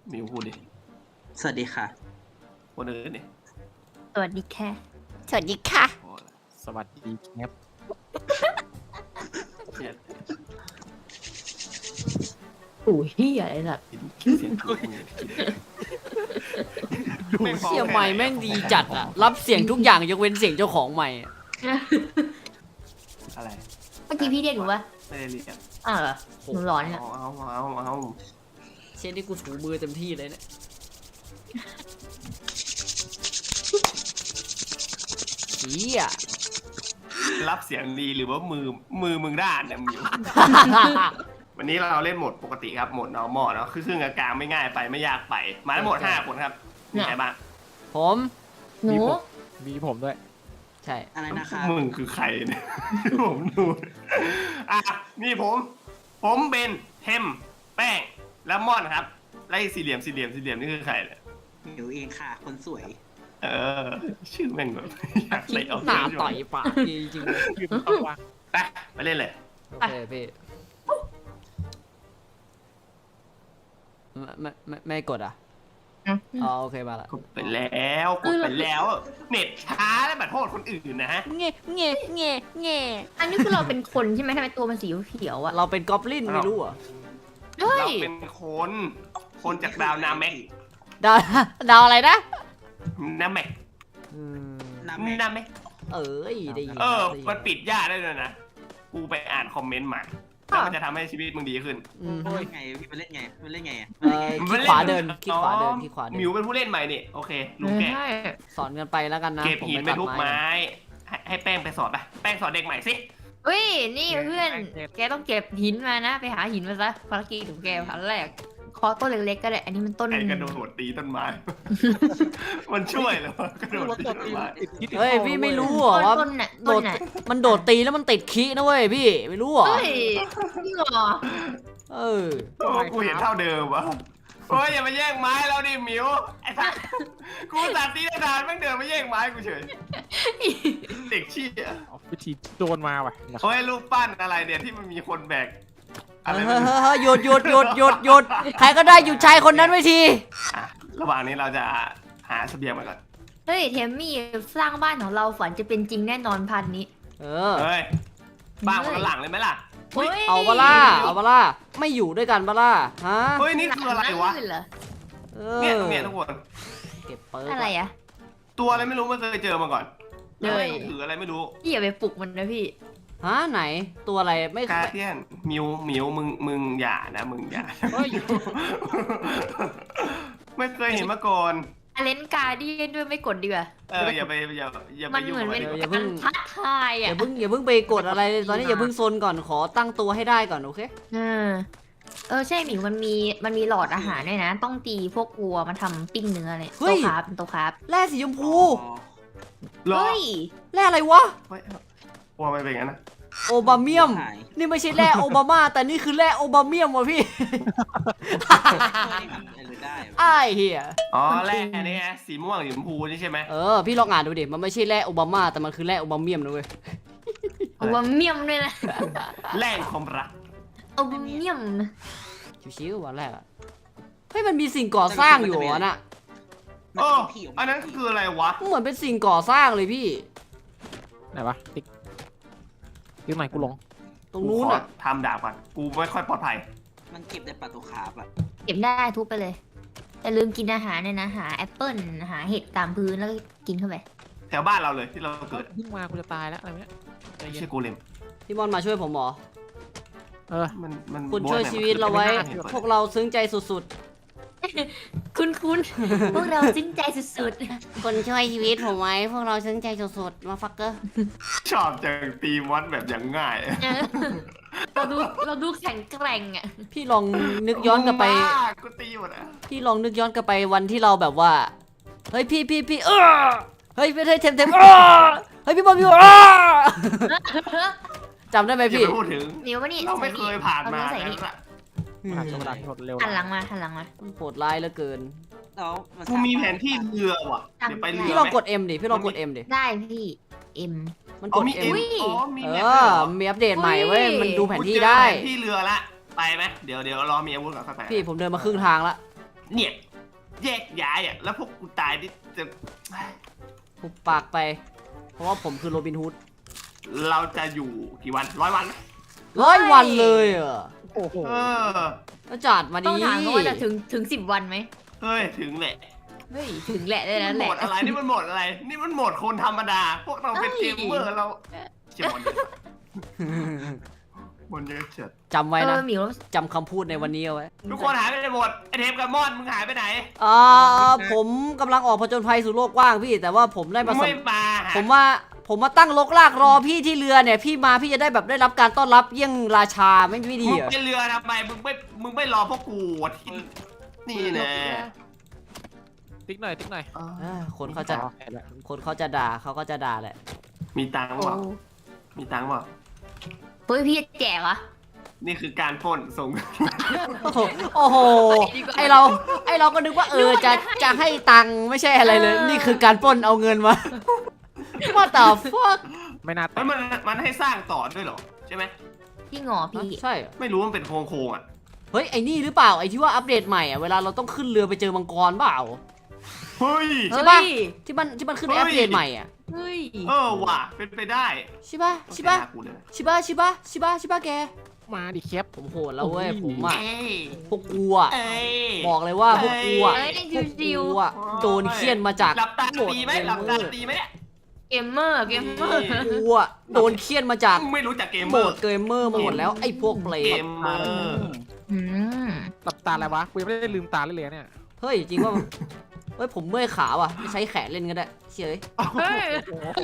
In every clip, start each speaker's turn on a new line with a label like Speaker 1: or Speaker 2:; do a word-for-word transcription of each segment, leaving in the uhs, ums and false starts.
Speaker 1: มิวพูดดิ
Speaker 2: สวัสดีค่ะ
Speaker 1: คนอื่นดิ
Speaker 3: สวัสดีค่ะ
Speaker 4: สวัสดีค่ะ
Speaker 1: โอ้ย
Speaker 5: สวัสดีครับ
Speaker 1: เครียด
Speaker 3: โอ้ยเฮียอะไรล่ะ
Speaker 1: คิดเสียงกูเนี่ยคิดไม่พอ
Speaker 4: เสียงใหม่แม่งดีจัดอะรับเสียงทุกอย่างยกเว้นเสียงเจ้าของใหม่อะ
Speaker 1: อะไร
Speaker 3: เมื่อกี้พี่เรียกหนูว่า
Speaker 1: ไม่ได้เรียก
Speaker 3: อ้าวเหรอหนูร้อนเนี่ย
Speaker 1: เอาเอาเอาเอา
Speaker 4: เช่นที่กูถูมือเต็มที่เลยเนี่ยเฮีย
Speaker 1: รับเสียงดีหรือว่ามือมือมึงด้านเนี่ยมิว วันนี้เราเล่นโหมดปกติครับโหมด normal เนาะคือครึ่งกลางๆไม่ง่ายไปไม่ยากไป มาทั้งหมดห้าคนครับมีใครบ้าง
Speaker 4: ผม
Speaker 3: หนู
Speaker 5: มีผมด้วย
Speaker 4: ใช่
Speaker 2: อะไรนะคะ
Speaker 1: มึงคือใครเนี่ย ผมดูอ่ะนี่ผม ผมเบนเทมแป้งและม่อนครับไล่สี่เหลี่ยมสี่เหลี่ยมสี่เหลี่ยมนี่คือใครเนี่ย
Speaker 2: หมิวเองค่ะ คนสวย
Speaker 1: เออ ชื่อแม่งแบบอยากเตะเอา
Speaker 4: หน้า
Speaker 1: เสื้
Speaker 4: ต่อยปากจริงๆเลย
Speaker 5: ยืมต้องวาง
Speaker 1: ไปไปเล่นเลย
Speaker 4: โอเคพี่ไม่ไม่ไม่ไม่กดอ่ะอ๋อโอเคมาละ
Speaker 1: กดไปแล้วกดไปแล้ว เน็ตช้าแล้วแบบโทษคนอื่นนะฮะ
Speaker 4: เงี้ยเงี้ยเงี้ยเงี้ย
Speaker 3: อันนี้คือเราเป็นคนใช่ไหมทำไมตัวมันสีเขียวๆอ่ะ
Speaker 4: เราเป็นกอบลินไม่รู้เหรอ่ะ
Speaker 3: เฮ้ย
Speaker 1: เราเป็นคน คนจากดาวนาแม็ก
Speaker 4: ดาวดาวอะไรนะ
Speaker 1: นาแม็ก
Speaker 4: อืม
Speaker 2: น้ำแม่
Speaker 1: นาแม็ก
Speaker 4: เอ้ยได้ยิน
Speaker 1: เออ
Speaker 4: ได้ยิ
Speaker 1: มันปิดยากได้เลยนะ กูไปอ่านคอมเมนต์มาแล้วมันจะทำให้ชีวิตมึงดีขึ้น
Speaker 4: อืม
Speaker 2: เล่นไงพี่มันเล่นไงมันเล่นไงอ่ะ
Speaker 4: เออคลิกขวาเดินคลิกขวาเดินคลิกขวาเดิน
Speaker 1: มิวเป็นผู้เล่นใหม่นี่โอเคลุงแก
Speaker 3: ใช่
Speaker 4: สอนกันไปแล้วกันนะ
Speaker 1: เก็บหินไป
Speaker 4: ตัด
Speaker 1: ทุกไม้ ให้ให้แป้งไปสอนไป แป้งสอนเด็กใหม่สิ
Speaker 3: เฮ้ยนี่เพื่อนแกต้องเก็บหินมานะ ไปหาหินมาซะภารกิจของแกพันแรกคอต้นเล็กๆก็ได้อันนี้มันต้น
Speaker 1: ไอ้กระโดดตีต้นไม้ มันช่วยเหรอกระโดดตีต้นไม้
Speaker 4: เฮ้ยพี่ไม่รู้เหรอว่า
Speaker 3: ต้นน่ะ
Speaker 4: โด
Speaker 3: ต้น
Speaker 4: ด
Speaker 3: น่ะ
Speaker 4: มันโดดตีแล้วมันติดคีนะเว้ยพี่ไม่รู้เหรอ
Speaker 3: เฮ้ยจริงเหรอ
Speaker 4: เออ
Speaker 1: โอ้กูเห็นเท่าเดิมวะโอ้ยอย่ามาแย่งไม้แล้วดิหมิวไอ้สัสกูตัดตีได้นานแม่งเดินมาแย่งไม้กูเฉย เด็กชี้อ่ะ
Speaker 5: เอาวิธีโดนมาว่ะ
Speaker 1: โอ้ยรูปปั้นอะไรเนี่ยที่มันมีคนแบกอะไร
Speaker 4: เฮ้
Speaker 1: ไม่
Speaker 4: ย
Speaker 1: รู้
Speaker 4: เฮ้ยหยุดหยุดหยุดหยุดหยุดใครก็ได้หยุดชายคนนั้นไว้ที
Speaker 1: อ่ะระหว่างนี้เราจะหาเสบียงมาก่อน
Speaker 3: เฮ้ยเทมมี่สร้างบ้านของเราฝันจะเป็นจริงแน่นอนพันนี้
Speaker 4: เออ
Speaker 1: เฮ้ยบ้านคนละหลังเลยไหมล่ะ
Speaker 3: เฮ้ย
Speaker 4: เอาบาล่าเอาบาล่าไม่อยู่ด้วยกันบาล่าฮะ
Speaker 1: เฮ้ยนี่คืออะไรวะ
Speaker 3: หนังนั่นเหรอ
Speaker 4: เอ
Speaker 1: เนี่ย
Speaker 4: อ
Speaker 1: เนี่ยทุกคน
Speaker 4: เก็บเปิร์ก
Speaker 3: อะไรอะ
Speaker 1: ตัวอะไรไม่รู้ไม่เคยเจอมาก่อน
Speaker 3: เฮ้ย
Speaker 1: ถืออะไรไม่รู้
Speaker 3: พี่อย่าไปปลุกมันนะพี่
Speaker 4: ฮะไหนตัวอะไรไม่
Speaker 1: กาเทียนมิวมิวมึงมึงอย่านะมึงอย่า
Speaker 5: เฮ้ย
Speaker 1: ไม่เคยเห็นมาก่อน
Speaker 3: อเลนการ์เดียนด้วยไม่กดดีกว่า
Speaker 1: เอออย่าไปอย่าอย่าไป
Speaker 3: มัน
Speaker 1: ยุ่
Speaker 3: เห
Speaker 1: ง
Speaker 3: มือน
Speaker 1: กับ
Speaker 3: เป็
Speaker 1: มัน น
Speaker 3: การท้าทาย
Speaker 4: อ
Speaker 3: อ่ะ
Speaker 4: ย่าเพิ่งอย่าเพิ่งไปกดอะไรเลยตอนนี้อย่าเพิ่งซนก่อนขอตั้งตัวให้ได้ก่อนโอเค
Speaker 3: เออเออใช่หมิวมันมีมันมีหลอดอาหารด้วยนะ ต้องตีพวกวัวมาทำปิ้งเนื้อเลยโตคาร์บเป็นโตคาร์บ
Speaker 4: แร่สีชมพู
Speaker 1: รอ
Speaker 3: เฮ้ย
Speaker 4: แร่อะไรวะ
Speaker 1: เฮ้ยว่าไม่เป็นงั้นนะ
Speaker 4: โอบาเมียม
Speaker 2: หาย
Speaker 4: นี่ไม่ใช่แร่โอบามาแต่นี่คือแร่โอบาเมียมวะพี่
Speaker 2: อะไรเลยได้
Speaker 4: ไอ้เหี้ย
Speaker 1: อ๋อแร่นี่ไงสีม่วงสีชมพูนี่ใช่ไหม
Speaker 4: เออพี่ลองอ่านดูดิมันไม่ใช่แร่โอบามาแต่มันคือแร่โอบาเมียมนะเว้ย
Speaker 3: วัวเมียมด้วยนะ
Speaker 1: แร่ความรัก
Speaker 3: เอาเมียม
Speaker 4: ชิวๆวันแรกอะเฮ้ยมันมีสิ่งก่อสร้างอยู่อ่ะน่ะ
Speaker 1: โอ้อันนั้นคืออะไรวะ
Speaker 4: เหมือนเป็นสิ่งก่อสร้างเลยพี่
Speaker 5: ไหนวะติ๊กติ๊กไหนกูลง
Speaker 4: ตรงนู้น
Speaker 1: กูขอ
Speaker 4: อ่ะ
Speaker 1: ทำดาบก่อนกูไม่ค่อยปลอดภัย
Speaker 2: มันเก็บได้ปลาตัวคาร์บอ่ะ
Speaker 3: เก็บได้ทุบไปเลยแต่ลืมกินอาหารเนี่ยนะหาแอปเปิ้ลหาเห็ดตามพื้นแล้วก็กินเข้าไป
Speaker 1: แถวบ้านเราเลยที่เราเกิด
Speaker 5: เพิ่งมากูจะตายแล้วอะไรเนี้ยใจ
Speaker 1: ไม่
Speaker 5: เย็น
Speaker 1: ใช่กูเลม
Speaker 4: พี่บอลมาช่วยผมเหรอ
Speaker 5: เออ
Speaker 1: มันมัน
Speaker 4: คุณ
Speaker 1: โบ๊ท
Speaker 4: ช่วย
Speaker 1: นี่
Speaker 4: ชีวิตเราไว้
Speaker 1: มัน
Speaker 4: พวกเราซึ้งใจสุด
Speaker 3: คุณคุณพวกเราซึ้งใจสุด
Speaker 4: ๆ คนช่วยชีวิตผมไว้ พวกเราซึ้งใจสุดๆ มาฟักเกอร์
Speaker 1: ชอบจังตีมอนแบบอย่างง่าย
Speaker 3: ๆเออเราดูเราดูแข็งแกร่งอ่ะ
Speaker 4: พี่ลองนึกย้อนกลับไป
Speaker 1: มึงบ้ากูตีหมดอ่ะ
Speaker 4: พี่ลองนึกย้อนกลับไปวันที่เราแบบว่า เฮ้ยพี่พี่พี่เออเฮ้ยไม่ใช่เทมเทมเออเฮ้ยพี่บอลพี่บอลเออจำได้ไหม
Speaker 1: อย่า
Speaker 4: พี่
Speaker 1: ไปพูดถึง
Speaker 3: มิวมานี่
Speaker 1: เราไม่เคยผ่านมา
Speaker 3: เอใส่
Speaker 1: นั้
Speaker 3: นี่
Speaker 1: นอะ
Speaker 5: ผ่านช่วงเวลาที่หดเร็ว
Speaker 3: หันหลังมาหันหลังมา
Speaker 4: โหดร้ายเหลือเกิน
Speaker 2: แล้วมัน
Speaker 1: กูมีแผนที่เรือว่ะเดี๋ยวไปเรือ
Speaker 4: พี่ลองกด M ดิ พี่ลองกด M ดิ
Speaker 3: ได้พี่เอ็ม
Speaker 4: มัน
Speaker 1: อ๋
Speaker 4: ก
Speaker 1: อ
Speaker 4: ด
Speaker 1: มี
Speaker 4: M
Speaker 1: เอ็ม
Speaker 3: อุ้ย
Speaker 1: อ๋อมี
Speaker 4: เอ
Speaker 1: แผน
Speaker 4: อ
Speaker 1: ที่เหรอ
Speaker 4: มีอัปเดตใหม่เว้ย
Speaker 3: อุ้ย
Speaker 4: มันดูแผนที่
Speaker 1: กูเจอ
Speaker 4: ได้
Speaker 1: แผนที่เรือละไปไหมเดี๋ยวเดี๋ยวรอมีอาวุธก่อนค่อยไป
Speaker 4: พี่ผมเดินมาครึ่งทางละ
Speaker 1: เนี่ยแยกย้ายอ่ะแล้วพวกกูตายนี่จะ
Speaker 4: หุบปากไป เพราะว่าผมคือโรบินฮูด
Speaker 1: เราจะอยู่กี่วันร้อยวันไหม
Speaker 4: ร้อยวันเลยเหรอ
Speaker 5: โอ้โห
Speaker 1: เออ
Speaker 4: แล้วจัดมา
Speaker 3: ต้
Speaker 4: ดี
Speaker 3: องถามเขาว่าจะถึงถึงสิบวันไหม
Speaker 1: เฮ้ยถึงแหละ
Speaker 3: เฮ้ยถึงแหละได้
Speaker 1: มั
Speaker 3: แล้ว
Speaker 1: น
Speaker 3: แห
Speaker 1: โหม
Speaker 3: ละ
Speaker 1: ดอะไรนี่มันโหมดอะไร นี่มันโหมดคนธรรมดา พวกเราเป็นเกมเมอร์เราเชี่ยบอลเยอะบอลเยอะเฉียด
Speaker 4: จำไว้
Speaker 3: เอ
Speaker 4: นะ
Speaker 3: อหมิว
Speaker 4: จำคำพูดในวันนี้เอาไว้
Speaker 1: ทุกคนหายไปไหนหมดไอเทมกับมอนมึงหายไปไหน
Speaker 4: อ่าผมกำลังออกผจญภัยสู่โลกกว้างพี่ แต่ว่าผมได้
Speaker 1: มึ
Speaker 4: มาง ส
Speaker 1: ไม่
Speaker 4: ม
Speaker 1: มาหา
Speaker 4: ผมมาผมมาตั้งลกลากรอพี่ที่เรือเนี่ย พี่มาพี่จะได้แบบได้รับการต้อนรับเยี่ยงราชาไม่ไม่ดี
Speaker 1: มึง
Speaker 4: เหรอ
Speaker 1: ไปเรือทำไมมึงไม่มึงไม่รอพวกกูที่นี่แน่
Speaker 5: ติ๊กหน่อยติ๊กหน่อย
Speaker 4: เออคนเขาจะ
Speaker 5: อ๋อเห็นแล้ว
Speaker 4: คนเขาจะด่าเขาก็จะด่าแหละ
Speaker 1: มีตังค์
Speaker 3: โอ้
Speaker 1: เปล่ามีตังค์เปล่า
Speaker 3: เฮ้ยพี่แจกเหรอ
Speaker 1: นี่คือการปล้นส่ง
Speaker 4: โอ้โหโอ้โหไอเราไอเราก็นึกว่าเออจะจะให้ตังค์ไม่ใช่อะไรเลย นี่คือการปล้นเอาเงินมา What the fuck
Speaker 5: ไม่น่า
Speaker 1: เฮ้ยมันมันให้สร้างต่อด้วยเหรอใช่ไหม
Speaker 3: พี่หงอพี่
Speaker 4: ใช่เหรอ
Speaker 1: ไม่รู้มันเป็นโครงโครงๆอ่ะ
Speaker 4: เฮ้ยไอ้นี่หรือเปล่าไอ้ที่ว่าอัปเดตใหม่อ่ะเวลาเราต้องขึ้นเรือไปเจอมังกรเปล่า
Speaker 1: เฮ้ย
Speaker 4: ใช่
Speaker 3: เฮ้
Speaker 4: ปะ
Speaker 3: ย
Speaker 4: ที่มันที่มันขึ้น
Speaker 1: เฮ้
Speaker 4: ใน
Speaker 1: ย
Speaker 4: อัปเดตใหม่อ่ะ
Speaker 3: เฮ้ย
Speaker 1: เออว่ะเป็นไปได้
Speaker 4: ใช่ปะใช่ปะ
Speaker 1: ต้องไปหากูเลย
Speaker 4: ใช่ปะใช่ปะใช่ปะใช่ปะแก
Speaker 5: มาดิแคป
Speaker 4: ผมโหดแล้วเว้ย
Speaker 5: โอ้ย
Speaker 4: ผมอ่ะ
Speaker 1: เอ้ย
Speaker 4: พวกกูอ่ะ
Speaker 1: เอ้ย
Speaker 4: บอกเลยว่าพวกกูอ่ะ
Speaker 3: เอ้ย
Speaker 4: พวก
Speaker 3: ชิว
Speaker 4: กูอ่ะโดนเคี่ยนมาจาก
Speaker 1: หลับตาตีไหมหลับตาตีไหมเนี่ย
Speaker 3: ๆเกมเมอร์เกมเมอร์
Speaker 4: กูอ่ะโดนเคี่ยนมาจาก
Speaker 1: มึงไม่รู้จักเกม
Speaker 4: โห
Speaker 1: เม
Speaker 4: ม
Speaker 1: อร์
Speaker 4: ดเกมเมอร์มาหมดแล้วไอ้พวกเปร
Speaker 1: เก
Speaker 4: ต
Speaker 1: มเมอร์
Speaker 3: อืม
Speaker 5: หลับตาอะไรวะกูยังไม่ได้ลืมตาเลยเลยเนี่ย
Speaker 4: เฮ้ยจริงว่าเฮ้ยผมเมื่อยขาว่ะใช้แขนเล่นก็ได้เฉย
Speaker 3: เฮ้ย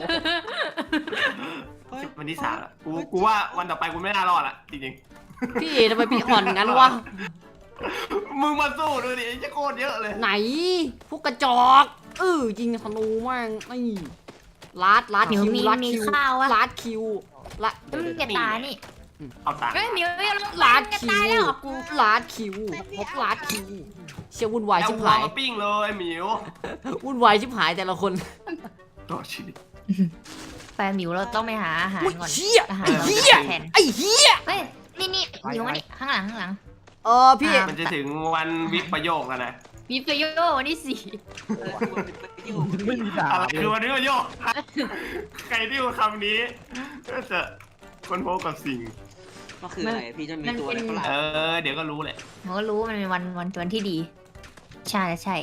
Speaker 1: วันที่สามแล้วกูกูว่าวันต่อไปกูไม่น่ารอดละจริง
Speaker 4: พี่ทำไมพี่อ่อนงั้นวะ
Speaker 1: ๆมึงมาสู้ดูดิไอ้เจ้าโคตรเยอะเลย
Speaker 4: ไหนพวกกระจอกเออยิงธนูแม่งไอ้ลาดลาด
Speaker 3: หมิว
Speaker 4: คิว
Speaker 3: มี
Speaker 4: ลาด
Speaker 3: มี
Speaker 4: คิว
Speaker 3: ข้าวอะ
Speaker 4: ลาดคิวละ
Speaker 3: แล้วมึงจะตายนี่
Speaker 1: เอาตังค์
Speaker 3: เฮ้ยหมิวไม่
Speaker 4: ลาด
Speaker 3: จะ
Speaker 4: คิ
Speaker 3: ตายว แล้วเหรอ
Speaker 4: กูลาดคิวพบลาดคิวเชี่ยวุ่นวาย
Speaker 1: เอา
Speaker 4: ชิบ
Speaker 1: หัว
Speaker 4: หาย
Speaker 1: มาปิ้งเลยหมิว
Speaker 4: วุ่นวายชิบหายแต่ละคน
Speaker 1: ต่อชีวิต
Speaker 3: แฟนหมิวเราต้องไปหาอาหาร
Speaker 4: อุ๊ย
Speaker 3: ก่อน
Speaker 4: เหี้ย
Speaker 3: อาหาร
Speaker 4: เหี้ย
Speaker 3: แทน
Speaker 4: ไอ้เหี้ย
Speaker 3: เฮ้ยนี่นี่หมิวมานี่ข้างหลังข้างหลัง
Speaker 4: เออพี่
Speaker 3: อ่ะ
Speaker 1: มันจะถึงวันวิปประโยคแล้วนะ
Speaker 3: มีประโยชน์วันที่สี่
Speaker 2: เออควรเป็นประโยชน์
Speaker 5: ไม่มีด่า
Speaker 1: อะไรคือวันวิปประโยคใครที่พูดคำนี้ก็จะคนพบกับสิ่ง
Speaker 2: ก็คืออะไรพี่จะมีตัวอะไรก็หลั
Speaker 1: เออ เดี๋ยวก็รู้แหละ
Speaker 3: ผมก็รู้ว่ามันเป็นวันวันวันที่ดี ใช่ใช่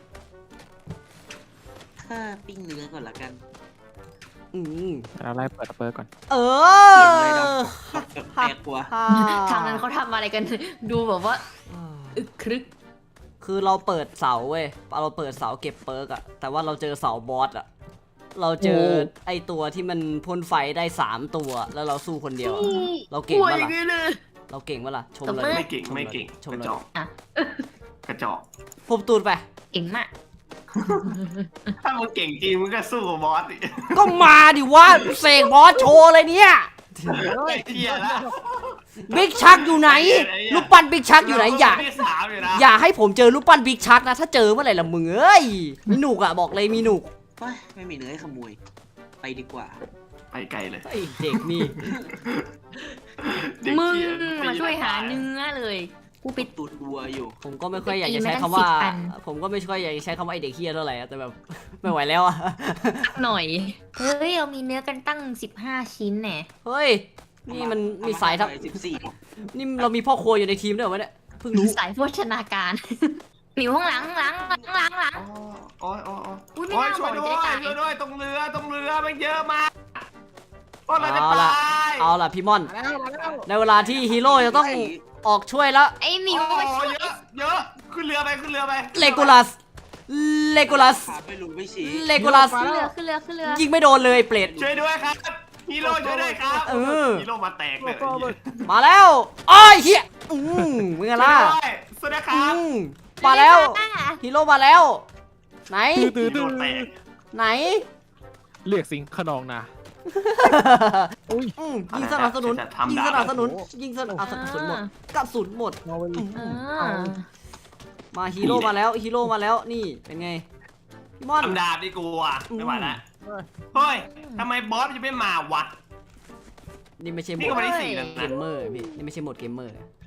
Speaker 2: ถ้าปิ้งเนื้อก่อนละกัน
Speaker 4: อืม
Speaker 5: เราไล่เปิดเปิดก่อน
Speaker 4: เอ
Speaker 2: เปลี่ยนเลย
Speaker 4: อ
Speaker 2: ดำแปลกกว่า
Speaker 3: ทางนั้นเขาทำอะไรกัน ดูแบบว่าอึกครึก
Speaker 4: คือเราเปิดเสาเว้ยเราเปิดเสาเก็บเปิร์กอะแต่ว่าเราเจอเสาบอสอะเราเจอไอตัวที่มันพ่นไฟได้สามตัวแล้วเราสู้คนเดียวอะเราเก่งปะล่ะเราเก่งปะล่ะชมเลย
Speaker 1: ไม่เก่ง
Speaker 4: ชลย
Speaker 1: ไม่เก่ง
Speaker 4: ชม
Speaker 1: กระ
Speaker 4: เลย
Speaker 1: จอก
Speaker 3: อ่ะ
Speaker 1: กระจอก
Speaker 4: ผมตูดไป
Speaker 3: เก่งมาก
Speaker 1: ถ้ามึงเก่งจริงมึงก็สู้กับบอสดิ
Speaker 4: ก็มาดิวะเสกบอสโชว์เลยเนี่ย
Speaker 1: ไอ้เหี้ยละ
Speaker 4: บิ๊กชักอยู่ไหนลูกปั้นบิ๊กชักอยู่ไหนอย่า
Speaker 1: ที่สามอยู่นะ
Speaker 4: อย่าให้ผมเจอลูกปั้นบิ๊กชักนะถ้าเจอเมื่อไหร่ละมึงเอ้ยมีหนุกอะบอกเลยมีหนุก
Speaker 2: เฮ้ยไม่มีเนื้อให้ขโมย ไปดีกว่า
Speaker 1: ไปไกลเลย
Speaker 4: ไอเด็กนี่
Speaker 1: เด็ก
Speaker 3: มึง
Speaker 1: เหี้
Speaker 3: มาช่วยหาเนื้อเลยกูไป
Speaker 2: ตูดวัวอยู่
Speaker 4: ผมก็ไม่ค่อยอยากจะ
Speaker 3: ตีมา
Speaker 4: ใช้
Speaker 3: ตั้ง
Speaker 4: คำว่า
Speaker 3: สิบอัน
Speaker 4: ผมก็ไม่ค่อยอยากจะใช้คำว่าไอเด็กเฮียเท่าไหร่อะแต่แบบ ไม่ไหวแล้วอะ
Speaker 3: หน่อย เฮ้ย เรามีเนื้อกันตั้งสิบห้าชิ้นแน่
Speaker 4: เฮ้ยนี่มันมีสายทับ
Speaker 2: สิบสี่
Speaker 4: นี่เรามีพ่อครัวอยู่ในทีมด้วยเหรอวะเนี่ยเพิ่งรู้
Speaker 3: สายโภชนาการ หมิวข้างหลังข้างหลังข้างหลังข้างหลัง
Speaker 1: โอ้ยโอ้ยโอ้ย
Speaker 3: อุ๊ยไม่
Speaker 1: โอ้ย
Speaker 3: น่า
Speaker 1: ช่วย
Speaker 3: บ
Speaker 1: ด้
Speaker 3: อก
Speaker 1: วย
Speaker 3: จะได้ตาย
Speaker 1: ช่วยด้วยตรงเรือตรงเรือมันเยอะมากพวกเราจะ
Speaker 4: เอา
Speaker 1: ต
Speaker 4: ล่ะ
Speaker 1: าย
Speaker 4: เอาล่ะพี่ม่อน
Speaker 5: มาแล้วมาแล้ว
Speaker 4: ในเวลาที่ฮีโร่จะต้องออกช่วยแล้ว
Speaker 3: ไอ้หมิ
Speaker 1: โอ้
Speaker 3: วมาช่วย
Speaker 1: เยอะเยอะขึ้นเรือไปขึ้นเรือไป
Speaker 4: เลโกลัสเลโกลัส
Speaker 2: ขาไม่รู้ไม่ชี้
Speaker 4: เลโกลัส
Speaker 3: ขึ้นเรือขึ้นเรือขึ้นเรือ
Speaker 4: ยิงไม่โดนเลยเปรต
Speaker 1: ช่วยด้วยครับฮีโร่ช่วยด้วยครับ
Speaker 4: เออ
Speaker 1: ฮีโร่มาแตกเลย
Speaker 4: มาแล้วอ้อยเฮียอืมมึงอะ
Speaker 1: ช่วย
Speaker 4: ล่ะ
Speaker 1: ด้วยสวัสดีค
Speaker 4: อื
Speaker 1: รับ
Speaker 4: มมาแล้วฮีโร่มาแล้ว ไหน
Speaker 5: ตื้อ
Speaker 1: ฮี
Speaker 5: ตื้อ
Speaker 1: โร่แตก
Speaker 4: ไหน
Speaker 5: เรียกสิงขนองนะอุ้ย
Speaker 4: อืมยิงสนับสนุน
Speaker 1: จะทำ
Speaker 4: ยิง
Speaker 1: ดา
Speaker 4: สนับ
Speaker 1: บ
Speaker 4: สนุนยิงสนับสนุนหมดกระสุนหมด
Speaker 5: เอาไป
Speaker 4: อืม
Speaker 3: อ่า
Speaker 4: มาฮีโร่มาแล้วฮีโร่มาแล้วนี่เป็นไงพี่ม่อน
Speaker 1: ทำดาบดีกว่าไม่ไหวละเฮ้ยทำไมบอสจะไม่มาวะ
Speaker 4: นี่ไม่ใช่โหม
Speaker 1: นี่
Speaker 4: ด
Speaker 1: ก็วันที่สี่แล้ว
Speaker 4: เก
Speaker 1: นะ
Speaker 4: มเมอร์พี่นี่ไม่ใช่โหมดเกมเมอร์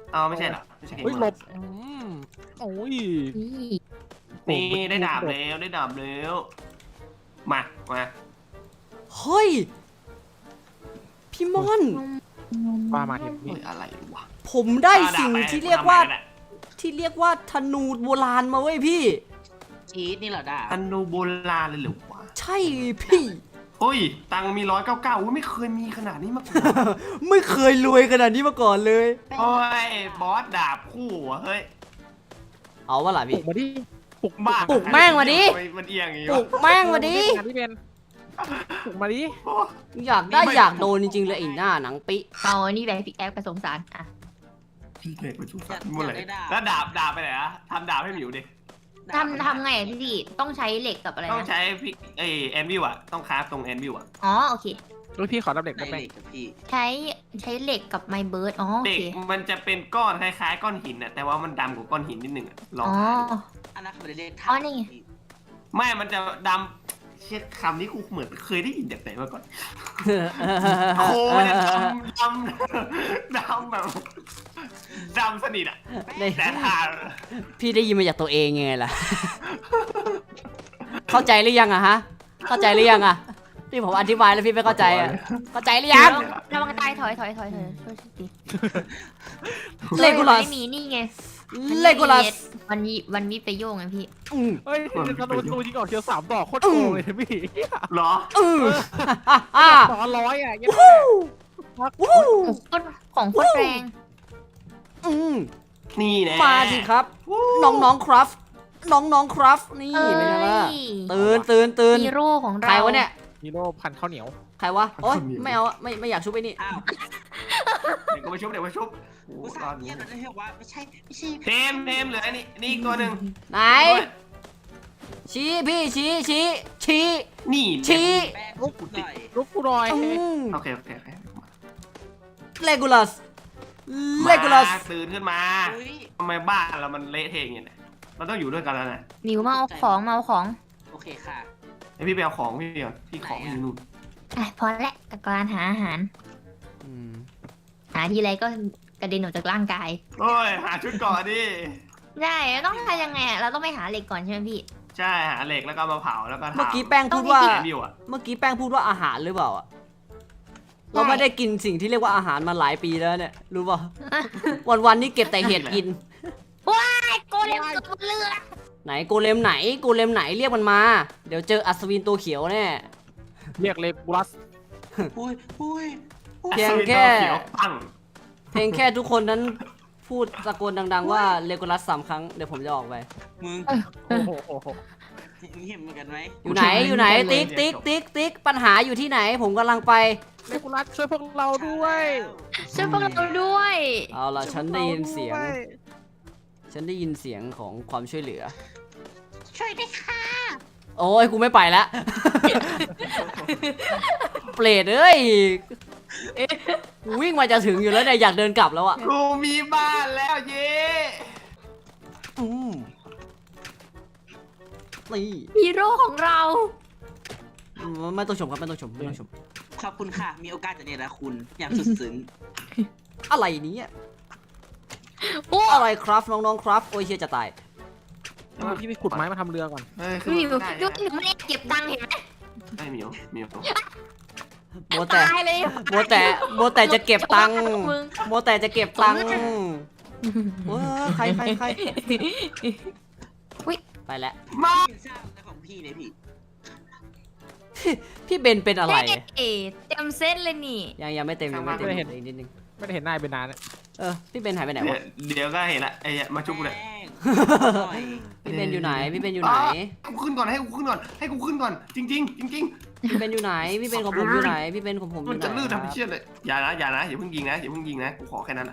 Speaker 1: เอาไม่ใช่เหรอไม่ใช่เกม
Speaker 5: เฮ้ย
Speaker 1: ม
Speaker 5: หล
Speaker 1: อน
Speaker 5: บอืมโอ้ย
Speaker 3: นี่
Speaker 1: นี่ได้ดาบแล้วได้ดาบแล้วมามา
Speaker 4: เฮ้ย พี่มอน
Speaker 5: ว่ามาเห็น
Speaker 1: เฮ้
Speaker 5: นี่
Speaker 1: ยอะไรวะ
Speaker 4: ผมได้สิ่ง
Speaker 1: อาดาบป
Speaker 4: ที่เรียกว่า
Speaker 1: ทำไมนอะ
Speaker 4: ที่เรียกว่าธนูโบราณมาเว้ยพี่
Speaker 2: ชีสนี่เหรอด่า
Speaker 1: อันโนโบราณเลยเหรอวะ
Speaker 4: ใช่พี่
Speaker 1: เฮ้ยตังค์มีร้อยเก้าเก้าไม่เคยมีขนาดนี้มาก่อน
Speaker 4: ไม่เคยรวยขนาดนี้มาก่อนเลย
Speaker 1: โอ้ยบอสดาบคู่วะเฮ้ย
Speaker 4: เอาวะล่ะ
Speaker 5: ปลุ
Speaker 4: พี่
Speaker 5: กมาดิปลุก
Speaker 1: บ้า
Speaker 4: ปลุกแม่งมาดิ
Speaker 1: มันเอียงอย่างงี้
Speaker 4: ปลุ
Speaker 1: วะ
Speaker 4: กแม่งมาดิ
Speaker 5: งานที่เป็นปลุกมาดิ
Speaker 1: โอ้
Speaker 4: อยากได้อยากโดนจริงๆเลยไอ้หน้าหนังปิ
Speaker 3: เอาอันนี้ไปพิกแอปกระสงสารอ่ะ
Speaker 1: พี่เล็กไปชู
Speaker 2: อ
Speaker 1: ฟั
Speaker 2: ยาน ก
Speaker 1: หมด
Speaker 2: อ
Speaker 1: เล
Speaker 2: ยาก
Speaker 1: ย
Speaker 2: ได้ดาบ
Speaker 1: แล้วดาบดาบไปไหนอะทำดาบให้หมิวดิ
Speaker 2: ดาบ
Speaker 3: ทำทำไงอ่ะพี่ต้องใช้เหล็กกับอะไร
Speaker 1: ต้อง
Speaker 3: นะ
Speaker 1: ใช้พี่เอแอนวิวอะต้องคราฟตรงแอนวิวอะ
Speaker 3: อ๋อโอเค
Speaker 5: ลูกพี่ขอรับเด็ก
Speaker 2: ไหน
Speaker 5: ได้ไหม
Speaker 2: เหล็กกับพี่
Speaker 3: ใช้ใช้เหล็กกับไมเบิร์ดอ๋อโอ
Speaker 1: เด็ก
Speaker 3: เค
Speaker 1: มันจะเป็นก้อนคล้ายๆก้อนหินอะแต่ว่ามันดำกว่าก้อนหินนิดนึงอะลอง
Speaker 3: อ๋อ
Speaker 1: หาดู
Speaker 2: อันนั้นเขาไม่ได้เรียก
Speaker 3: อ๋อนี่ไง
Speaker 1: ไม่มันจะดำเช็ดคำนี้กูเหมือนเคยได้ยินจากไหนมาก่อนโคมันจะดำดำดำแบบดำสนิทอะ
Speaker 4: ได้
Speaker 1: แต่ทาน
Speaker 4: พี่ได้ยินมาจากตัวเองยังไงล่ะ เข้าใจหรือยังอะฮะ เข้าใจหรือยังอะที่ผมอธิบายแล้วพี่ไม่เข้าใจอะเข้าใจหรือยัง
Speaker 3: ระวังตายถอยถอยถอยถอยช่วยสิ
Speaker 4: เลโกลัส
Speaker 3: ไม่มีนี่ไง
Speaker 4: เลโกลัส
Speaker 3: วันนี้วันนี้ไปโยงไงพี่
Speaker 4: อืม
Speaker 5: เฮ้ยธนูธนูยิงออกเชียวสามดอกโคตรโกงเลยพี่
Speaker 1: เหรอ
Speaker 4: อืมอ่า
Speaker 5: สองร้อยอ่ะยัง
Speaker 4: วู้วู้
Speaker 3: ของโคตรของโคตรแรง
Speaker 4: อืม
Speaker 1: นี่แน่
Speaker 4: มาสิครับ น้องๆครับ น้องๆครับ นี่
Speaker 3: เอ้ย
Speaker 4: เป็นไงล่ะตื่นตื่นตื่น
Speaker 3: ฮีโร่ของเรา
Speaker 4: ใครวะเนี่ย
Speaker 5: ฮีโร่พันข้าวเหนียว
Speaker 4: ใครวะ โอ๊ยไม่เอาอะไม่ไม่อยากชุบไปนี่
Speaker 2: อ้าว
Speaker 1: เดี๋ยวก็ไปชุบเดี๋ยวไปชุบโอ้
Speaker 2: กู
Speaker 1: โห
Speaker 2: ส
Speaker 1: ร
Speaker 2: ร้า
Speaker 1: อง ด
Speaker 2: เงี้ยนะเรียกว่าไม่ใช่ไม่ใช่
Speaker 1: เทมเทมเหลืออันนี้นี่อีกตัวหนึ่ง
Speaker 4: ไหน ชี้พี่ชี้ชี้ชี้
Speaker 1: นี่
Speaker 4: ชี้
Speaker 2: แป้ง
Speaker 5: ลุก
Speaker 2: กูหน่อย
Speaker 5: ลุกกูหน่อย
Speaker 4: อืม
Speaker 1: โอเคโอเคโอเค
Speaker 4: เลกูลัส เลกูลัส
Speaker 1: มาตื่นขึ้นมา
Speaker 2: อุ้ย
Speaker 1: ทำไมบ้านเรามันเละเทะอย่างเงี้ยเนี่ยเราต้องอยู่ด้วยกันแล้วนะ
Speaker 3: หมิวมาเอาของมาเอาของ
Speaker 2: โอเคค่ะ
Speaker 1: ไอพี่ไปเอาของพี่ก่อนพี่ของอยู่นู่น
Speaker 3: อ่ะพอแล้วกับการหาอาหาร
Speaker 4: อืม
Speaker 3: หาทีไรก็กระเด็นออกจากร่างกาย
Speaker 1: โอ้ยหาชุดก่อนดิ
Speaker 3: ใช่ต้องทำยังไงอะเราต้องไปหาเหล็กก่อนใช่ไหมพี่
Speaker 1: ใช่หาเหล็กแล้วก็มาเผาแล้วก็ทำ
Speaker 4: เมื่อกี้แป้งพูดว่า
Speaker 1: แอนวิวอะ
Speaker 4: เมื่อกี้แป้งพูดว่าอาหารหรือเปล่าอะเราไม่ได้กินสิ่งที่เรียกว่าอาหารมาหลายปีแล้วเนี่ย รู้ป่ะ วันๆนี่เก็บแต่เห็ดกิน
Speaker 3: ไอ้โกเลมเกิดบนเรือ
Speaker 4: ไหนโกเลมไหนโกเลมไหนเรียกมันมา เดี๋ยวเจออัศวินตัวเขียวแน่
Speaker 5: เรียกเลกูลัส
Speaker 2: อุ้ยอุ้ย
Speaker 4: เพียงแค่
Speaker 1: อัศวินตัวเขียวปัง
Speaker 4: เพียงแค่ทุกคนนั้นพูดตะโกนดัง ๆ ว่าเลโกลัสสามครั้งเดี๋ยวผมจะออกไป
Speaker 2: มึง
Speaker 5: โอ้โหโอ้โห
Speaker 2: มึงเห็นเหมือนกันไหม
Speaker 4: อยู่ไหนอยู่ไหนติ๊กติ๊กติ๊กติ๊กปัญหาอยู่ที่ไหน ผมกำลังไป
Speaker 5: เลกูลัสช่วยพวกเราด้วย
Speaker 3: ช่วยพวกเราด้วย
Speaker 4: เอาล่ะฉันได้ยินเสียง
Speaker 5: ช่วพวกราด้วย
Speaker 4: ฉันได้ยินเสียงของความช่วยเหลือ
Speaker 3: ช่วยด้วยค่ะ
Speaker 4: โอ้ยกูไม่ไปแล้ว เปรตเอ้ยกูวิ่งมาจะถึงอยู่แล้วเนี่ยอยากเดินกลับแล้วอ่ะ
Speaker 1: กูมีบ้านแล้วเย้
Speaker 4: อืมนี่
Speaker 3: ฮีโร่ของเรา
Speaker 4: ไม่ต้องชมครับไม่ต้องชมไม่ต้องชม
Speaker 2: ขอบคุณค่ะ มีโอกาสจะเนรคุณอย่างสุดซึ้ง
Speaker 4: อะไรเนี้
Speaker 3: โอ้
Speaker 4: อะไรครับน้องๆครับโอ้ยเชียจะตาย
Speaker 5: เอาพี่ไปขุดไม้มาทำเรือก่อน
Speaker 1: เฮ้ย
Speaker 3: หมิว
Speaker 1: ได้
Speaker 3: ดู
Speaker 1: ได้
Speaker 3: หมิวไม่ได้เก็บตังค์เห็นไหม
Speaker 1: ได้เหมียวเหมียว
Speaker 4: โมแต่
Speaker 3: ตายเลย
Speaker 4: โมแต่โมแต่จะเก็บตังค์
Speaker 3: มึง
Speaker 4: โมแต่จะเก็บตังค์เว้ยใครใครใครไปแล้ว
Speaker 1: มา
Speaker 2: กินข้าวแต่ของพี่เนี่ยพี่
Speaker 4: พี่เบนเป็นอะไร
Speaker 3: เอ๊ะเต็มเส้นเลยนี่
Speaker 4: ยังยังไม่เต็มยังไม่เต็มอีกนิดนึง
Speaker 5: ไม่ได้เห็นหน้าเป็นนานแล้ว
Speaker 4: เออพี่เบนหายไปไหน
Speaker 1: เดี๋ยว
Speaker 4: วะ
Speaker 1: เดี๋ยวก็เห็นละไอ้เนี่ยมาชุบกูเลย
Speaker 2: แป้งหน่อย
Speaker 4: พี่เบนอยู่ไหนพี่เบนอยู่ไหน
Speaker 1: ให้กูขึ้นก่อนให้กูขึ้นก่อนให้กูขึ้นก่อนจริงจริงๆจริง
Speaker 4: พี่เบนอยู่ไหนพี่เบนของผมอยู่ไหนพี่เบนของผม
Speaker 1: ๆ
Speaker 4: อ
Speaker 1: มัน
Speaker 4: ยู่ไหน
Speaker 1: จะลื่น
Speaker 4: ครั
Speaker 1: ทำ
Speaker 4: บ
Speaker 1: ให้เชี่ยเลยอย่านะอย่านะอย่าเพิ่งยิงนะอย่าเพิ่งยิงนะกูขอแค่นั้นนะ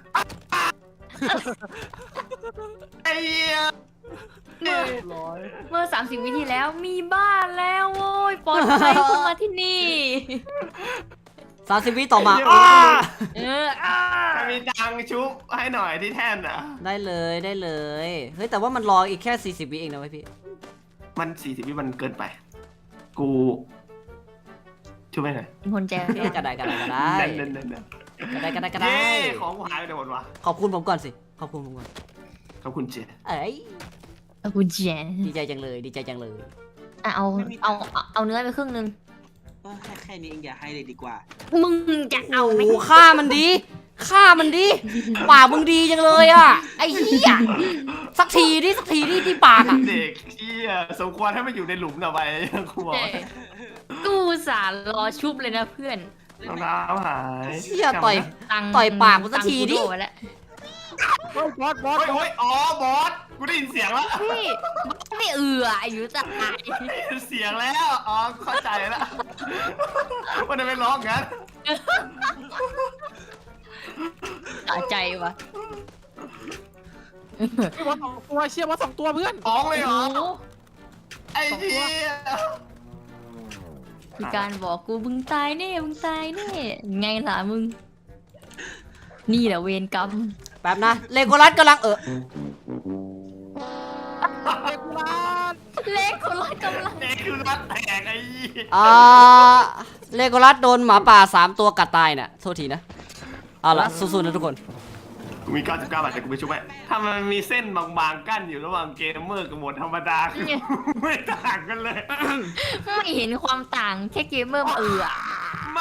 Speaker 1: ไอ้เหี้ย
Speaker 3: เมื่อ
Speaker 5: ร้อย
Speaker 3: เมื่อสามสิบวิที่แล้วมีบ้านแล้วโว้ยปลอดภัยเพิ่งมาที่นี่
Speaker 4: สามสิบวิต่อมาอ้า
Speaker 3: เอออ่า
Speaker 1: ใครมีตังค์ชุบให้หน่อยที่แท่นอ่ะ
Speaker 4: ได้เลยได้เลยเฮ้ยแต่ว่ามันรออีกแค่สี่สิบวิเองนะเว้ยพี่
Speaker 1: มันสี่สิบวิมันเกินไป กูช่วยไม่หน่อย
Speaker 3: เป็นคนใจ
Speaker 4: พี่กระไดกระไดกระได
Speaker 1: เด่นเด่นเด่น
Speaker 4: กระไดกระไดกระได
Speaker 1: เย้ของกูหายไปไหนหมดวะ
Speaker 4: ขอบคุณผมก่อนสิขอบคุณผมก่อน
Speaker 1: ขอบคุณเจ
Speaker 4: เอ้ย
Speaker 3: ขอบคุณเจน
Speaker 4: ดีใจจังเลย ดีใจจังเลย
Speaker 3: อ่ะเอาเอาเอาเอาเนื้อไปครึ่งนึง
Speaker 2: เออแค่แค่นี้เองอย่าให้เลยดีกว่า
Speaker 3: มึงจะเอาไหม
Speaker 4: โอ้ฆ่ามันดีฆ่ามันดีปากมึงดีจังเลยอ่ะไอ้เหี้ยสักทีดิสักทีดิที่ปากอ่ะ
Speaker 1: เด็กเชี่ยสมควรให้มันอยู่ในหลุมต่อไปครูบอก
Speaker 3: เจ๊กูสารรอชุบเลยนะเพื่อน
Speaker 1: รองเท้าหาย
Speaker 4: เหี้ยต่อย
Speaker 3: ตังค์
Speaker 4: ต่อยปากกูสักทีดิ
Speaker 3: ตังค์กูโไแล้ว
Speaker 5: โอ้ยบอสบอส
Speaker 1: โอ้ยโอ้ยอ๋อบอสกูได้ยินเสียงแล้ว
Speaker 3: พี่ไม่เอืออายุตาย
Speaker 1: ได้ยินเสียงแล้วอ๋อเข้าใจแล้วมันจะไปร้องงั้น
Speaker 3: ตาใจวะ
Speaker 5: บอสสองตัวเชี่ยบอสสองตัวเพื่อน
Speaker 1: ร้องเลยเหรอ
Speaker 3: โอ้
Speaker 1: ไอ้เหี้ย
Speaker 3: มีการบอกกูมึงตายแน่มึงตายแน่ไงล่ะมึง นี่แหละเวรกรรม
Speaker 4: แป๊บนะเลโกรัสกำลังเออ
Speaker 5: เด็กร้าน
Speaker 3: เล็กคนละกำลัง
Speaker 1: เด็กคือรัดแตกไอ้เหี้ย
Speaker 4: อ่าเลโกรัสโดนหมาป่าสามตัวกัดตายน่ะโทษทีนะเอาล่ะสู้ๆนะทุกคน
Speaker 1: กูมีเก้าสิบเก้าบาทแต่กูไปช่วยถ้ามันมีเส้นบางๆกั้นอยู่ระหว่างเกมเมอร์กับโหมดธรรมดาคือไม่ต่างกันเลย
Speaker 3: ไม่เห็นความต่างแค่เกมเมอร์มาเอือ
Speaker 1: ไม่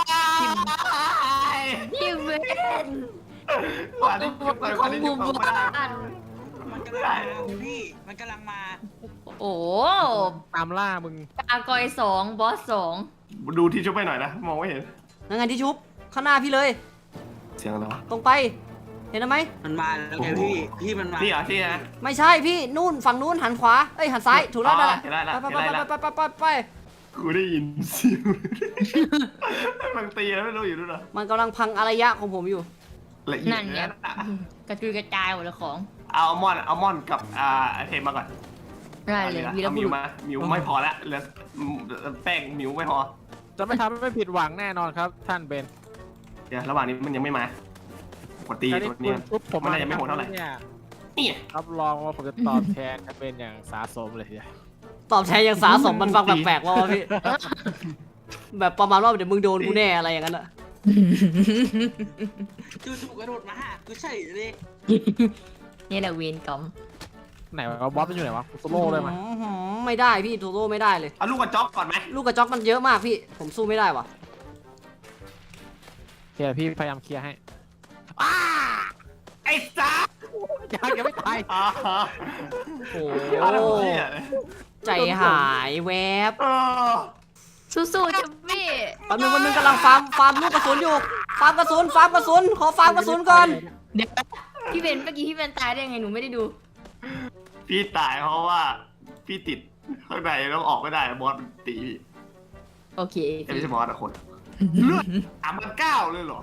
Speaker 3: พี่เวน
Speaker 1: กว่าที่จะไปกว่าที่จะไปไม่ได้
Speaker 2: มันกำลังมาพี่มันกำลังมา
Speaker 3: โอ้
Speaker 5: ตามล่ามึง
Speaker 3: กากอยสองบอสสอง
Speaker 1: ดูที่ชุบไปหน่อยนะมองไม่เห็น
Speaker 4: นั่นไงที่ชุบข้างหน้าพี่เลย
Speaker 1: เสียงอะไรวะ
Speaker 4: ตรงไป เห็นไหม
Speaker 2: มันมาแล้วไงพี่พี่มันมา
Speaker 1: นี่เหรอที่นะ
Speaker 4: ไม่ใช่พี่นู่นฝั่งนู้นหันขวาเอ้ยหันซ้ายถูกแล้วนั่นแหละ
Speaker 1: เห็นแล้ว
Speaker 4: ไป
Speaker 1: เห็นแล้ว
Speaker 4: ไปไปไปไปไปไป
Speaker 1: กูได้ยินเสียงมันตีแล้วไม่รู้อยู่ด้วยเหรอ
Speaker 4: มันกำลังพังอารยะของผมอยู่
Speaker 1: ละเอียด
Speaker 3: นั่นเนี่ยกระจุยกระจายหมดเลยของ
Speaker 1: เอาอัลมอนด์อัลมอนด์กับอ่าเทมมาก่อน
Speaker 3: ได้เลยวีร
Speaker 1: อา
Speaker 3: บุ
Speaker 1: มิ
Speaker 3: รุ
Speaker 1: ว
Speaker 3: ษ
Speaker 1: มามิวไม่พอละเหลือแป้งมิวไม่พอ
Speaker 5: จะไม่ทำให้ไม่ผิดหวังแน่นอนครับ ท่านเบน
Speaker 1: เดี๋ยวระหว่างนี้มันยังไม่มาปกติ
Speaker 5: การที่
Speaker 1: ตัว
Speaker 5: คุ
Speaker 1: นี้
Speaker 5: ณชุบผม
Speaker 1: มันน่าจะไม่โหดเท่าไหร่
Speaker 5: เนี่ย
Speaker 1: นี่
Speaker 5: รับรองว่าผมจะตอบแทนท่านเบนอย่างสาสมเลยทีเดียว
Speaker 4: ตอบแทนอย่างสาสมมันฟังแปลกๆว่าวะพี่ แบบประมาณว่าเดี๋ยวมึงโดนกูแน่อะไรอย่างนั้นอะ
Speaker 2: จู่ๆกระโดดมาหากูเฉยเลย
Speaker 3: นี่แหละเวรกรรม
Speaker 5: ไหนวะบอสมันอยู่ไหนวะโซโล่เลยมั้ย
Speaker 4: อื้อหือไม่ได้พี่โทโร่ไม่ได้เลย
Speaker 1: เอาลูกกระจอกก่อนไหม
Speaker 4: ลูกกระจอกมันเยอะมากพี่ ผมสู้ไม่ได้ว่ะ
Speaker 5: เคลียร์พี่พยายามเคลียร์ให้
Speaker 1: ไอ้ซ่า
Speaker 5: ยังยังไม่ตาย
Speaker 1: อ๋อ
Speaker 4: โอ้
Speaker 1: เอาแล้วเหี้ย
Speaker 4: ใจหายแวบ
Speaker 1: เออ
Speaker 3: สู้ๆจะพี่
Speaker 4: แป๊บนึงวันนึงกำลังฟาร์มฟาร์มลูกกระสุนอยู่ ฟาร์มกระสุนฟาร์มกระสุนขอฟาร์มกระสุนก่อน
Speaker 3: เดี๋ยวพี่เบนเมื่อกี้พี่เบนตายได้ยังไงหนูไม่ได้ดู
Speaker 1: พี่ตายเพราะว่าพี่ติดข้างในแล้วออกไม่ได้บอสมันตีพี่
Speaker 3: โอเค
Speaker 1: แต่ไม่ใช่บอสอะคนเลือดสามพันเก้าเลยเหรอ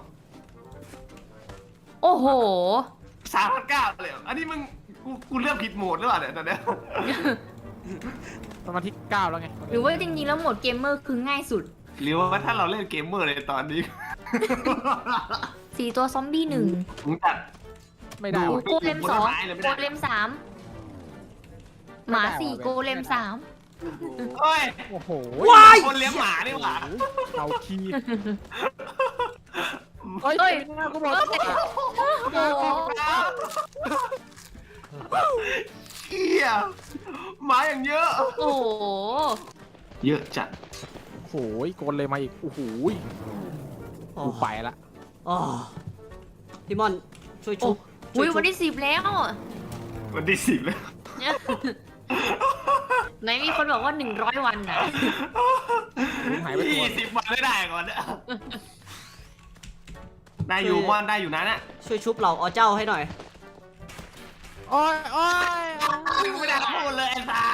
Speaker 3: โอ้โห
Speaker 1: สามพันเก้าเลยเหรออันนี้มึงกูกูเลือกผิดโหมดหรือเปล่าเนี่ยตอนเนี้ย
Speaker 5: ประมาณที่เก้าแล้วไง
Speaker 3: หรือว่าจริงๆแล้วโหมดเกมเมอร์คือง่ายสุด
Speaker 1: หรือว่าถ้าเราเล่นเกมเมอร์เลยตอนนี้
Speaker 3: สี่ตัวซอมบี้หนึ่ง
Speaker 1: มึงตัด
Speaker 5: ไม่ได้
Speaker 1: ดู
Speaker 5: วะ
Speaker 3: โกเลมสอง
Speaker 1: ผลไม้เลยไม่
Speaker 3: โก
Speaker 1: ได้
Speaker 3: เลมสามหมาสี่โกเลมสาม
Speaker 1: เฮ้ย
Speaker 5: โอ้โห
Speaker 4: ว้าย
Speaker 1: คนเลี้ยงหมานี่หว่า
Speaker 5: เอาคีเฮ้ย
Speaker 3: เฮ้ย
Speaker 5: ไม่น่ากูบอก
Speaker 3: โอ้โห
Speaker 1: เหี้ยหมาอย่างเยอะ
Speaker 3: โอ้โห
Speaker 1: เยอะจัด
Speaker 5: โอ้โหโกนเลยมาอีกโอ้โหกูไปละ
Speaker 4: อ๋อพี่มอนช่วย
Speaker 3: โอ้
Speaker 4: ชุบ
Speaker 3: โหวันที่สิบแล้ว
Speaker 1: วันที่สิบแล้ว
Speaker 3: ไหนมีคนบอกว่าหนึ่งร้อยวันนะ
Speaker 5: หายไปตัว
Speaker 1: ยี่สิบวันไม่ได้ก่อนเนี่ยได้อยู่มอนได้อยู่นะน่ะ
Speaker 4: ช่วยชุบเหล่าอเจ้าให้หน่อย
Speaker 5: โอ้ยโอ้ย
Speaker 1: มึงไม่ได้พูดเลยไอ้ตา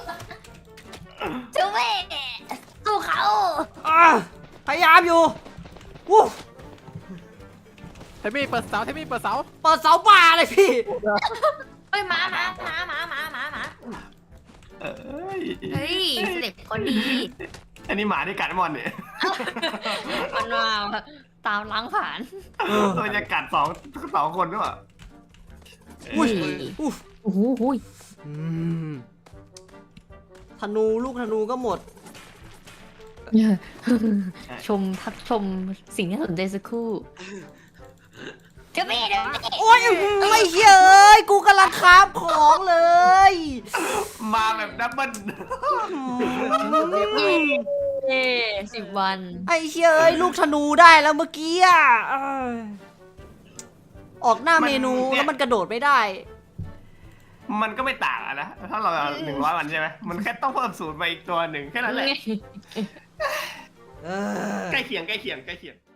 Speaker 3: จูเว่สู้เขา
Speaker 4: อ่ะพยายามอยู่วู้
Speaker 5: เทมี่เปิดเสาเทมี่เปิดเสา
Speaker 4: เปิดเสาป่าเลยพี่
Speaker 3: เฮ้ยหมาหมาหมาหมาหมาหมาหมา
Speaker 1: เอ้ย
Speaker 3: เฮ้ยเด็กคนดี
Speaker 1: อันนี้หมาที่กัดมอนเนี่ย
Speaker 3: มันมาตามล้างผ่าน
Speaker 4: เออ
Speaker 1: มันจะกัดสองสองคนด้วย
Speaker 4: อุ้ยอุ้ย
Speaker 3: โอ้โหหุย
Speaker 4: อืมธนูลูกธนูก็หมด
Speaker 3: ชมพักชมสิ่งที่น่าสนใจสักครู่ เทดี๋ยวพี่เดี๋ยวพี่
Speaker 4: โอ้ยอื้อหือไม่เชื่อเอ้ยกูกำลังคราฟของเลย
Speaker 1: มาแบบดับเบิล
Speaker 3: เย้สิบวัน
Speaker 4: ไอ้เชื่อเอ้ยลูกธนูได้แล้วเมื่อกี้อ่ะเอ้ยออกหน้าเมนูแล้วมันกระโดดไม่ได้
Speaker 1: มันก็ไม่ต่างอะนะถ้าเราเอาหนึ่งร้อยวันใช่ไหมมันแค่ต้องเพิ่มศูนย์ไปอีกตัวหนึ่งแค่นั้นแหละ
Speaker 4: เออ
Speaker 1: ใกล้เคียงใกล้เคียงใกล้เคียง